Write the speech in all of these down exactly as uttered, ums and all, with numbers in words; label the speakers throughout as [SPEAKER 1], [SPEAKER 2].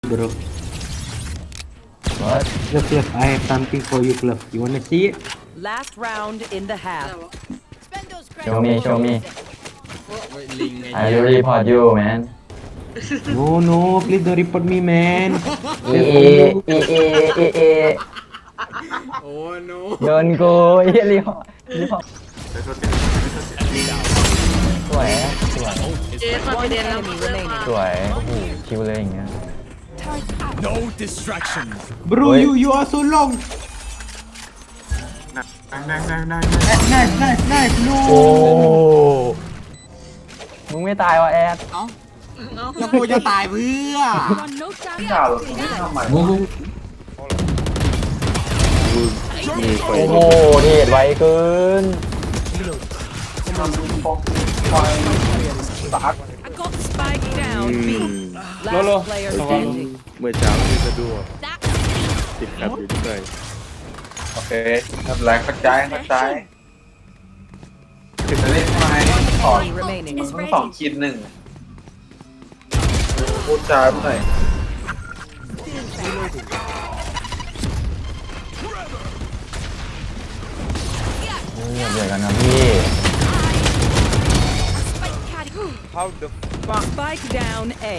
[SPEAKER 1] bro.
[SPEAKER 2] What?
[SPEAKER 1] Look, look, I have something for you, Club. You wanna see it?
[SPEAKER 3] Last round in the half.
[SPEAKER 2] Show me, show me.
[SPEAKER 4] โอ้ยลิงไง
[SPEAKER 2] I will report you man
[SPEAKER 1] No, no, please don't report me, man.
[SPEAKER 2] เอเอเอเอเอเอ
[SPEAKER 4] โอ้โน
[SPEAKER 2] โดนกูเฮียรีพอร์ตรีพอร์ตสวยสวย
[SPEAKER 5] เจ๊มาไป
[SPEAKER 3] One
[SPEAKER 5] เรียนแล้ว
[SPEAKER 3] enemy
[SPEAKER 5] เพื่อน
[SPEAKER 3] remaining.
[SPEAKER 2] สวยโอ้โหคิวเลยอย่างเงี้ย
[SPEAKER 6] No distractions.
[SPEAKER 1] Bro,
[SPEAKER 2] Wait.
[SPEAKER 1] you you are so long.
[SPEAKER 7] Nice, nice, nice, nice.
[SPEAKER 1] Nice, nice, nice. No.
[SPEAKER 2] โอ้มึงไม่ตายวะแอด
[SPEAKER 4] เอ้าแล้วกูจะตายเพื่อ
[SPEAKER 7] Sao rồi? Không biết sao mà.
[SPEAKER 2] โอ้โหเทรดไวเกิน
[SPEAKER 3] I got spike down B. Last player standing.
[SPEAKER 8] เมื่อเช้าที่สะดวกติดแอปอยู่ด้วย
[SPEAKER 7] Ok, thật là có trái, có trái. Thì ta lên hai khỏi
[SPEAKER 3] Enemy remaining.
[SPEAKER 7] không phòng chín nừng. Cô trái bên này.
[SPEAKER 2] อย่าเบียดกันนะพี่
[SPEAKER 8] How the
[SPEAKER 3] Spike down A.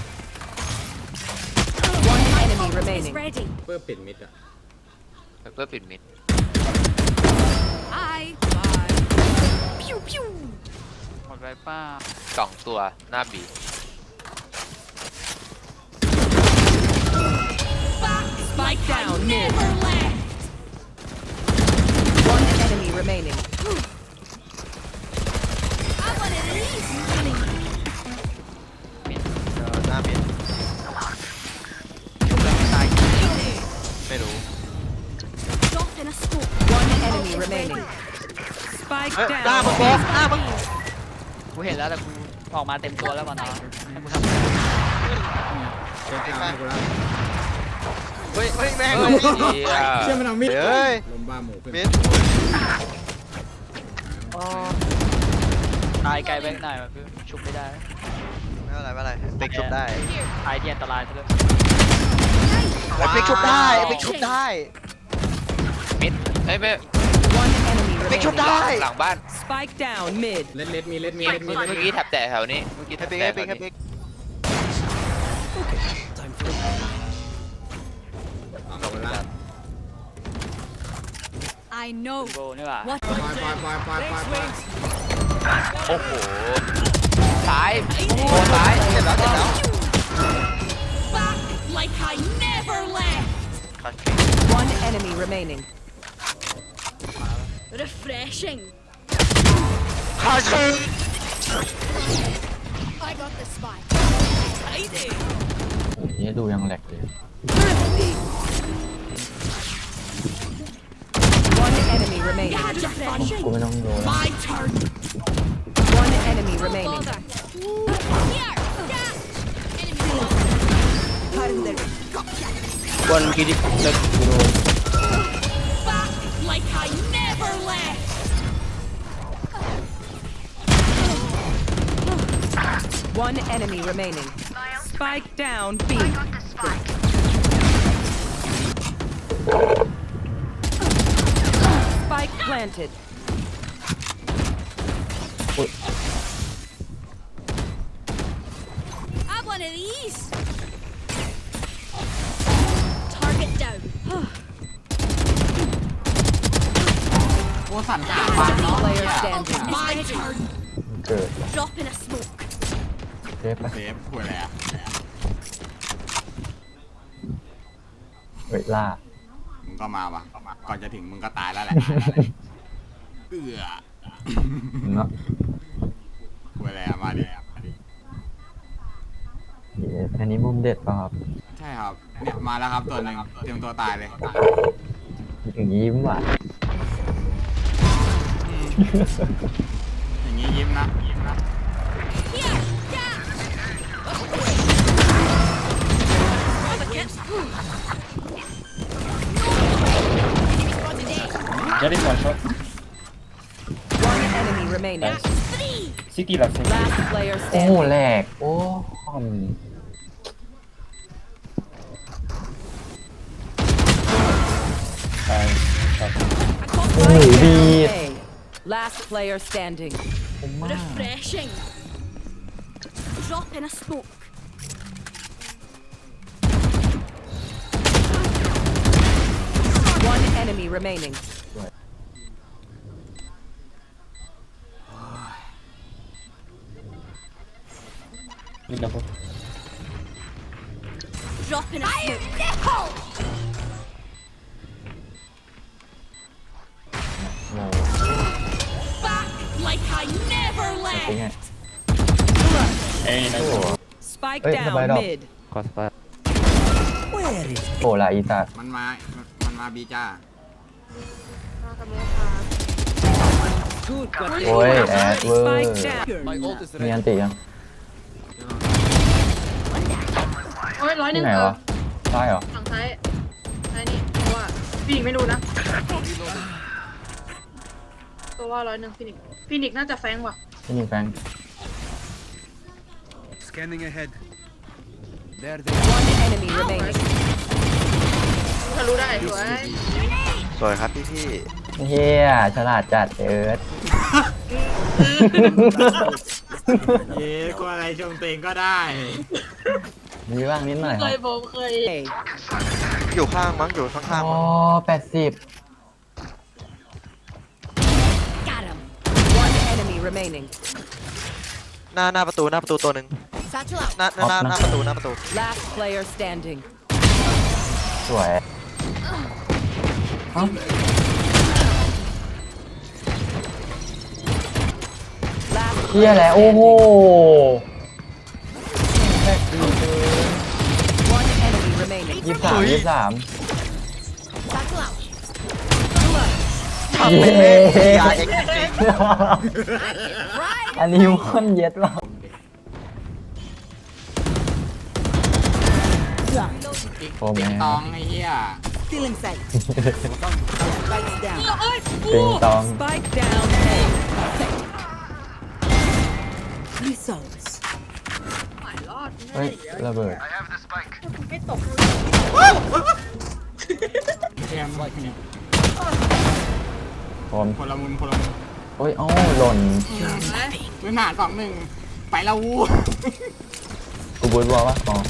[SPEAKER 3] One enemy remaining.
[SPEAKER 4] เพื่อปิดมิดอะ
[SPEAKER 9] เพื่อปิดมิดหมดไรป้าสองตัวหน้าบี
[SPEAKER 3] Spike down mid. One enemy remaining.
[SPEAKER 9] มิดเออหน้ามิดไม่รู้
[SPEAKER 3] One enemy remaining. Spike
[SPEAKER 9] หน้ามึง
[SPEAKER 3] down.
[SPEAKER 9] โป๊กหน้ามึง
[SPEAKER 10] กูเห็นแล้วแต่กูออกมาเต็มตัวแล้วก่อนนะให้กูทำ
[SPEAKER 4] เจ๊ข้าวให้กูแล้ว
[SPEAKER 9] เฮ้ยเฮ้ยแม่ง
[SPEAKER 4] เฮ้
[SPEAKER 9] เลย
[SPEAKER 4] ยเชื่อมันเอามิด
[SPEAKER 9] เฮ้ย
[SPEAKER 4] ลมบ้าหมูเพื่อน
[SPEAKER 9] มิด
[SPEAKER 10] ตายไกลไปหน่อยแบบชุบไม่ได้
[SPEAKER 9] ไม่เป็นไรไม่เป็นไรปิกชุบได้
[SPEAKER 10] ตายที่อันตรายซะด้วย
[SPEAKER 9] ปิกชุบได้ปิกชุบได้มิดเฮ้ยไม่
[SPEAKER 3] One enemy
[SPEAKER 9] ปิกชุบ
[SPEAKER 3] remaining.
[SPEAKER 9] ได้หลังบ้าน
[SPEAKER 3] Spike down mid.
[SPEAKER 4] เล็ดเล็ดมีเล็ดมีเล็ดมี
[SPEAKER 9] เมื่
[SPEAKER 4] เล็ด
[SPEAKER 9] อกี้แถบแตะแถวนี้เมื่อกี้แถบแตะแถวนี้
[SPEAKER 4] เอาไปละ
[SPEAKER 10] โบนี่หว่า
[SPEAKER 4] ปล่อยปล่อยปล่อยปล่อยปล่อยปล่อย
[SPEAKER 9] โอ้โหซ้ายโอ้ซ้ายเจ็บแล้วเจ็บแล้ว
[SPEAKER 3] One enemy remaining.
[SPEAKER 9] ขาชิง
[SPEAKER 2] นี่ดูยังแหลกเลย
[SPEAKER 3] One enemy remaining.
[SPEAKER 2] กูไม่ต้องโดน
[SPEAKER 3] One enemy remaining.
[SPEAKER 8] one kid like bro
[SPEAKER 3] One enemy remaining. Spike down B. Spike planted. Last player standing.
[SPEAKER 2] เกิดเทปไป
[SPEAKER 4] เซฟหัวอะไรอะ
[SPEAKER 2] เวล่า
[SPEAKER 4] มึงก็มาว่ะก่อนจะถึงมึงก็ตายแล้วแหละเอือ
[SPEAKER 2] เนาะ
[SPEAKER 4] หัวอะไรอะมาดิ
[SPEAKER 2] อันนี้มุมเด็ดป่ะครับ
[SPEAKER 4] ใช่ครับเนี่ยมาแล้วครับตัวหนึ่งเตรียมตัวตายเลย
[SPEAKER 2] อย่างยิ้มว่ะ
[SPEAKER 4] อย่างงี้ยิ้มนะยิ้มนะ
[SPEAKER 1] Jadi one shot.
[SPEAKER 3] One enemy remaining.
[SPEAKER 1] City last.
[SPEAKER 3] Last player
[SPEAKER 2] โอ้โห
[SPEAKER 3] standing.
[SPEAKER 2] แหลกโอ้คอม
[SPEAKER 3] down A. Last player standing.
[SPEAKER 5] Refreshing. Drop in a smoke.
[SPEAKER 3] One enemy remaining.
[SPEAKER 5] Drop in a smoke. Back like I never
[SPEAKER 2] เป็นไง
[SPEAKER 5] left.
[SPEAKER 3] Spike
[SPEAKER 2] Hey,
[SPEAKER 3] down
[SPEAKER 2] nobody up.
[SPEAKER 3] mid.
[SPEAKER 2] คอสปาโอ้ละอีสัตว์
[SPEAKER 4] มันมา มันมาบีจ้า
[SPEAKER 2] โอ้ยแอดเวอร์
[SPEAKER 3] Spike down.
[SPEAKER 6] My ult is
[SPEAKER 2] มี
[SPEAKER 6] ready.
[SPEAKER 2] อันติยัง
[SPEAKER 5] โอ้ยร้อยห
[SPEAKER 2] ที่
[SPEAKER 5] นึ่ง
[SPEAKER 2] ไหน
[SPEAKER 5] เออ
[SPEAKER 2] วะใช่เหรอ
[SPEAKER 5] ฝั่งซ้ายซ้ายนี่เพราะว่าพี่ไม่รู้นะ ตัวว่าร้อยหนึ่งฟินิกฟินิกน่าจะแฟงว่ะ
[SPEAKER 2] ที่นี่แฟง
[SPEAKER 6] Scanning ahead. There
[SPEAKER 3] One enemy remaining.
[SPEAKER 5] ทะลุได้สวย
[SPEAKER 9] สวยครับพี่พี่
[SPEAKER 2] เฮียฉลาดจัดเอิร์ธ
[SPEAKER 4] เย้ก็อะไรชมเตงก็ได้
[SPEAKER 2] มีบ้างนิดหน่อยค
[SPEAKER 5] เค
[SPEAKER 2] รั
[SPEAKER 5] ย
[SPEAKER 2] บ
[SPEAKER 5] ผมเคย
[SPEAKER 3] A.
[SPEAKER 9] อยู่ข้างมั้งอยู่ข้าง
[SPEAKER 2] อ๋
[SPEAKER 9] ๆ
[SPEAKER 2] อ
[SPEAKER 9] มั้ง
[SPEAKER 2] แปดสิบ
[SPEAKER 5] Got him.
[SPEAKER 3] One enemy remaining.
[SPEAKER 9] หน้าหน้าประตูหน้าประตูตัวหนึ่ง
[SPEAKER 5] Satchel out.
[SPEAKER 9] หน้าหน้าหน้าหน้าประตูหน้าประตู
[SPEAKER 3] Last player standing.
[SPEAKER 2] สวยเอ้า
[SPEAKER 3] Last
[SPEAKER 2] เฮียแหละโอ้โห
[SPEAKER 3] one enemy remaining.
[SPEAKER 2] ยี่สิบสามยี่สิบสาม
[SPEAKER 5] Satchel out.
[SPEAKER 9] ทำเป็นเล่นยาเอ็กซ์จริง
[SPEAKER 2] อันนี้มันเย็ดว่ะโอ้แม่
[SPEAKER 4] ติ๊กตองไอ้เหี้ย
[SPEAKER 3] Stealing sight. Spike down.
[SPEAKER 2] ติงตอง
[SPEAKER 3] Spike down A. Results.
[SPEAKER 5] หมายรอด
[SPEAKER 2] เฮ้ยระเบิด
[SPEAKER 5] ไม่ตก
[SPEAKER 4] เทียมเนี่ย
[SPEAKER 2] ผม
[SPEAKER 4] คนละมุมคนละมุม
[SPEAKER 2] โอ้ยเอ้าหล่น
[SPEAKER 4] พื้นฐานสองหนึ่งไปละวู
[SPEAKER 2] กูบูทบอลปะอ๋อ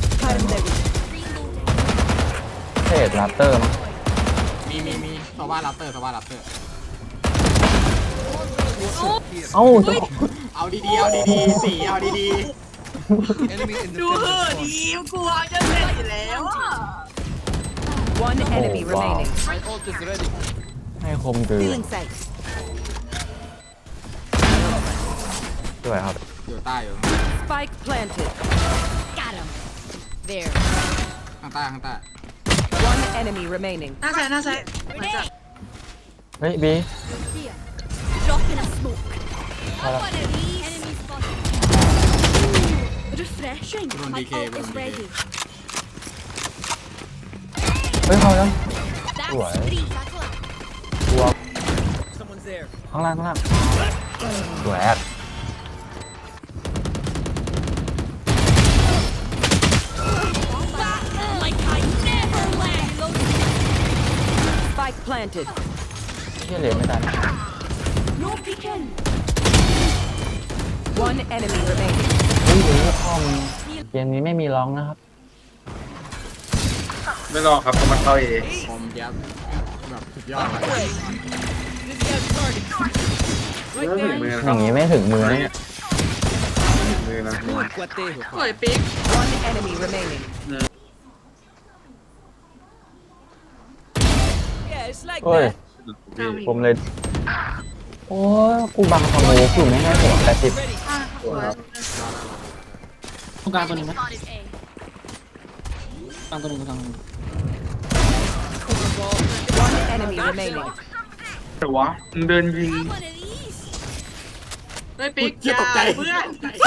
[SPEAKER 2] เทรดลัปเตอร์มั้ง
[SPEAKER 4] มีมีมีสว่ารับเตอร์สว่ารับเตอร์
[SPEAKER 2] เอ้าจะ
[SPEAKER 4] เอาดีๆเอาดีๆสีเอาดี
[SPEAKER 6] Enemy in the
[SPEAKER 5] ดูเหอะดีกลัวจะเสร็จอยู่แล้วอ่ะ
[SPEAKER 3] One enemy
[SPEAKER 2] Oh, wow.
[SPEAKER 3] remaining.
[SPEAKER 6] My ult is ready.
[SPEAKER 2] ให้คมคือ
[SPEAKER 3] Stealing sight.
[SPEAKER 2] สวยครับ
[SPEAKER 4] ๆอยู่ใต้อยู่
[SPEAKER 3] Spike planted.
[SPEAKER 5] Got him. There.
[SPEAKER 4] ข้างใต้ข้างใต้
[SPEAKER 3] One enemy remaining.
[SPEAKER 5] หน้าซ้ายหน้าซ้ายเหมือนจะ
[SPEAKER 2] เฮ้ยบี
[SPEAKER 5] Drop in a smoke.
[SPEAKER 2] Hold up.
[SPEAKER 5] One of these. Enemy spotted. Refreshing.
[SPEAKER 4] Run
[SPEAKER 5] My
[SPEAKER 4] D K,
[SPEAKER 5] ult
[SPEAKER 4] run
[SPEAKER 5] is
[SPEAKER 4] D K.
[SPEAKER 5] ready.
[SPEAKER 2] เฮ้ยเข้าแล้ว
[SPEAKER 5] That's
[SPEAKER 2] What?
[SPEAKER 5] three. Satchel out.
[SPEAKER 2] ตัว
[SPEAKER 6] Someone's there.
[SPEAKER 2] ข้างล่างข้างล่างสวยแอด
[SPEAKER 5] Back like I never left.
[SPEAKER 3] Spike planted.
[SPEAKER 2] เชี่ยเหลยไม่ทัน
[SPEAKER 5] No peeking.
[SPEAKER 3] One enemy remaining.
[SPEAKER 2] เฮ้ยเฮ้ยพ่อมึงเกมนี้ไม่มีร้องนะครับ
[SPEAKER 7] ไม่รอครับเพราะมันเข้าเอง
[SPEAKER 4] ผมเจี๊ยบแบบสุดยอด
[SPEAKER 7] ไม่ถึงมือ
[SPEAKER 2] อ
[SPEAKER 7] ครั
[SPEAKER 2] ย่า
[SPEAKER 7] บ
[SPEAKER 2] งนี้ไม่ถึงมือนะเนี่ย
[SPEAKER 7] มือนะ
[SPEAKER 6] Good, Guate.
[SPEAKER 5] สวยปิ๊ก
[SPEAKER 3] One enemy remaining. Yeah, it's like
[SPEAKER 2] เฮ้ย ผมเลย โอ้ยกูบังสโมกอยู่ไม่ให้หัวแปดสิบ
[SPEAKER 5] อ่ะสวย
[SPEAKER 10] ต้องการตัวหนึ่งไหม
[SPEAKER 5] Spotted A.
[SPEAKER 10] ตั้งตัวหนึ่งตั้ง
[SPEAKER 3] one enemy remaining.
[SPEAKER 7] แต่วะมึงเดินยิง
[SPEAKER 5] One of these.
[SPEAKER 10] เฮ้ยปิ๊ก
[SPEAKER 4] เจี๊ยบตกใจ
[SPEAKER 10] เพื่อน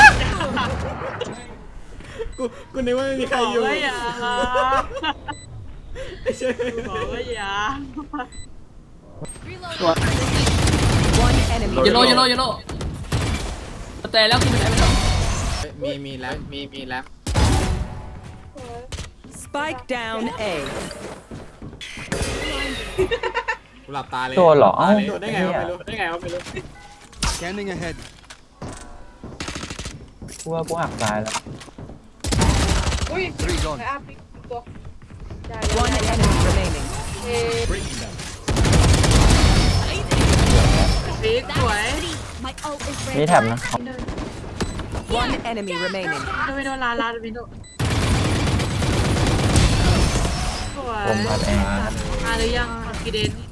[SPEAKER 4] กูกูนึกว่าไม่มีใครอยู่
[SPEAKER 10] บอกว่าอย่าบอกว่าอย่า
[SPEAKER 3] One enemy
[SPEAKER 10] เยลโล่เยล
[SPEAKER 3] remaining.
[SPEAKER 10] โล่เยลโล่แต่แล้วกินไม่ได้ไม่ได้
[SPEAKER 4] มีมีแล้วมีมีแล้ว
[SPEAKER 3] Spike down A.
[SPEAKER 4] กูหลับตาเลย
[SPEAKER 2] โดนเหรอเอ้า
[SPEAKER 4] โดนได้ไงวะไม่รู้ได้ไงวะไม่รู้
[SPEAKER 6] Scanning ahead.
[SPEAKER 2] กูว่ากูหักซ้ายแล้ว
[SPEAKER 5] อุ้ย
[SPEAKER 6] Three zone.
[SPEAKER 5] ไปอาปิกตัวได้
[SPEAKER 3] One enemy remaining.
[SPEAKER 5] เอ๊ะ
[SPEAKER 6] Breaking them.
[SPEAKER 5] ปิกสวย
[SPEAKER 2] มีแท็บนะ
[SPEAKER 5] วินโดว์
[SPEAKER 3] One enemy remaining.
[SPEAKER 5] วินโดว์ลาลาวินโดว์สวย
[SPEAKER 2] ผมมาแอง
[SPEAKER 5] มาหรือยังกีเดน